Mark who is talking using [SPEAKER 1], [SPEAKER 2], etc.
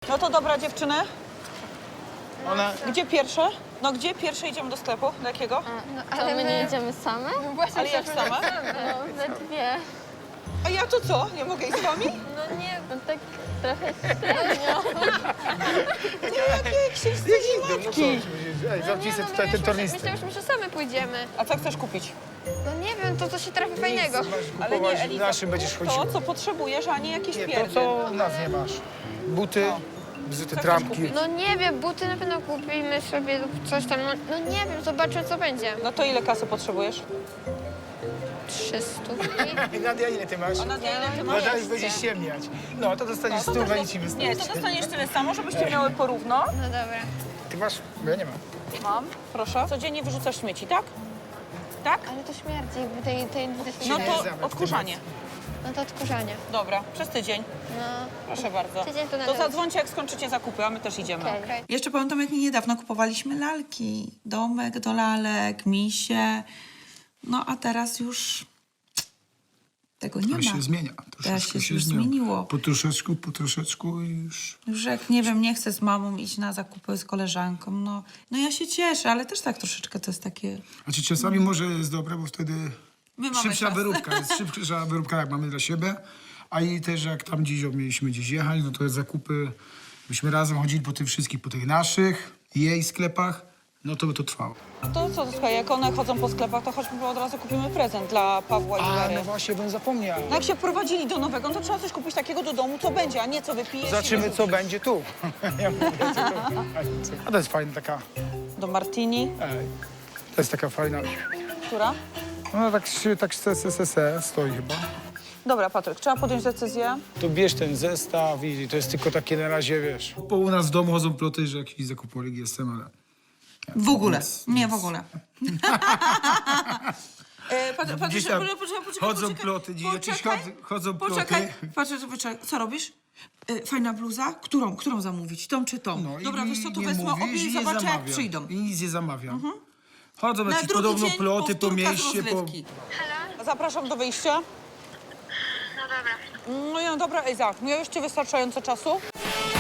[SPEAKER 1] No to dobra, dziewczyny.
[SPEAKER 2] Ona...
[SPEAKER 1] Gdzie pierwsze? No gdzie pierwsze idziemy do sklepu? Do jakiego?
[SPEAKER 3] No, ale my nie idziemy same?
[SPEAKER 1] Ale jak same?
[SPEAKER 3] No, we dwie.
[SPEAKER 1] A ja to co? Nie mogę iść z wami?
[SPEAKER 3] No nie, no tak trochę średnio.
[SPEAKER 1] Jak się wstydzi matki.
[SPEAKER 2] Ej, zamknij sobie tutaj ten tornistry.
[SPEAKER 4] Myślałyśmy, że same pójdziemy.
[SPEAKER 1] A co chcesz kupić?
[SPEAKER 4] No nie wiem, to co się trafi fajnego.
[SPEAKER 1] Ale nie,
[SPEAKER 2] Kupować,
[SPEAKER 1] Eliza,
[SPEAKER 2] naszym będziesz chodził.
[SPEAKER 1] to, co potrzebujesz, a nie jakieś
[SPEAKER 2] Nie, to
[SPEAKER 1] pierdy.
[SPEAKER 2] co u nas nie masz. Buty, bzyty,
[SPEAKER 1] chcesz
[SPEAKER 2] trampki.
[SPEAKER 1] kupić?
[SPEAKER 4] No nie wiem, buty na pewno kupimy sobie lub coś tam. No nie wiem, zobaczę co będzie.
[SPEAKER 1] No to ile kasy potrzebujesz?
[SPEAKER 4] 300.
[SPEAKER 2] Nadia, ile ty masz?
[SPEAKER 1] Nadia, ile ty masz?
[SPEAKER 2] Nadia już będziesz ciemniać. No, to dostaniesz
[SPEAKER 1] To
[SPEAKER 2] stówę
[SPEAKER 1] też-
[SPEAKER 2] i ci
[SPEAKER 1] Nie,
[SPEAKER 2] wystarczy.
[SPEAKER 1] to dostaniesz tyle samo, żebyście miały porówno.
[SPEAKER 4] No dobra.
[SPEAKER 2] Ty masz? Bo ja nie mam.
[SPEAKER 1] Mam, proszę. Codziennie wyrzucasz śmieci, tak? Tak?
[SPEAKER 4] Ale to śmierdzi, jakby tej
[SPEAKER 1] No
[SPEAKER 2] nie
[SPEAKER 1] to
[SPEAKER 2] zamiast,
[SPEAKER 1] odkurzanie.
[SPEAKER 4] No to odkurzanie.
[SPEAKER 1] Dobra, przez tydzień.
[SPEAKER 4] No.
[SPEAKER 1] Proszę bardzo.
[SPEAKER 4] Tydzień to
[SPEAKER 1] To
[SPEAKER 4] nawet.
[SPEAKER 1] zadzwońcie, jak skończycie zakupy, a my też idziemy.
[SPEAKER 4] Okej.
[SPEAKER 5] Jeszcze pamiętam, jak niedawno kupowaliśmy lalki. Domek do lalek, misie. No a teraz już tego nie
[SPEAKER 6] To
[SPEAKER 5] ma.
[SPEAKER 6] się zmienia.
[SPEAKER 5] Teraz
[SPEAKER 6] Troszeczkę
[SPEAKER 5] się już
[SPEAKER 6] zmienia.
[SPEAKER 5] zmieniło.
[SPEAKER 6] Po troszeczku i już...
[SPEAKER 5] Już jak, nie wiem, nie chcę z mamą iść na zakupy z koleżanką. No ja się cieszę, ale też tak troszeczkę to jest takie...
[SPEAKER 6] Znaczy czasami może jest dobre, bo wtedy
[SPEAKER 5] My mamy
[SPEAKER 6] szybsza
[SPEAKER 5] czas.
[SPEAKER 6] wyróbka. Jest szybsza wyróbka, jak mamy dla siebie. A i też jak tam gdzieś mieliśmy gdzieś jechać, no to jest zakupy. Byśmy razem chodzili po tych wszystkich, po tych naszych, jej sklepach. No to by to trwało.
[SPEAKER 1] To co, słuchaj, jak one chodzą po sklepach, to chodźmy od razu kupimy prezent dla Pawła i
[SPEAKER 2] A,
[SPEAKER 1] Wery.
[SPEAKER 2] no właśnie, bym zapomniał.
[SPEAKER 1] No jak się wprowadzili do nowego, no to trzeba coś kupić takiego do domu, co będzie, a nie co wypijesz i
[SPEAKER 2] Zobaczymy, co
[SPEAKER 1] wyrzucisz.
[SPEAKER 2] będzie tu. Ja mówię, co to będzie. A to jest fajna taka...
[SPEAKER 1] Do martini.
[SPEAKER 2] Ej, to jest taka fajna...
[SPEAKER 1] Która?
[SPEAKER 2] No tak stoi chyba.
[SPEAKER 1] Dobra, Patryk, trzeba podjąć decyzję.
[SPEAKER 2] To bierz ten zestaw i to jest tylko takie na razie, wiesz...
[SPEAKER 6] Bo u nas w domu chodzą ploty, że jakiś zakupolik jestem, ale...
[SPEAKER 5] W ogóle. Nie, w ogóle.
[SPEAKER 6] Gdzieś tam chodzą ploty, gdzieś jakieś chodzą ploty.
[SPEAKER 5] Poczekaj, co robisz? Fajna bluza? Którą zamówić? Tą czy tą?
[SPEAKER 6] No i
[SPEAKER 5] Dobra, wiesz co, to
[SPEAKER 6] nie
[SPEAKER 5] wezmę obie
[SPEAKER 6] mówisz,
[SPEAKER 5] i
[SPEAKER 6] nie
[SPEAKER 5] zobaczę, jak
[SPEAKER 6] zamawiam.
[SPEAKER 5] przyjdą.
[SPEAKER 6] I nic nie zamawiam. Chodzą
[SPEAKER 5] Na
[SPEAKER 6] jakieś
[SPEAKER 5] drugi
[SPEAKER 6] podobno
[SPEAKER 5] dzień
[SPEAKER 6] ploty po
[SPEAKER 5] powtórka z
[SPEAKER 6] mieście, po...
[SPEAKER 5] rozrywki.
[SPEAKER 1] Zapraszam do wyjścia.
[SPEAKER 7] No dobra.
[SPEAKER 1] No ja, dobra, Ejza, miałeś ci wystarczająco czasu?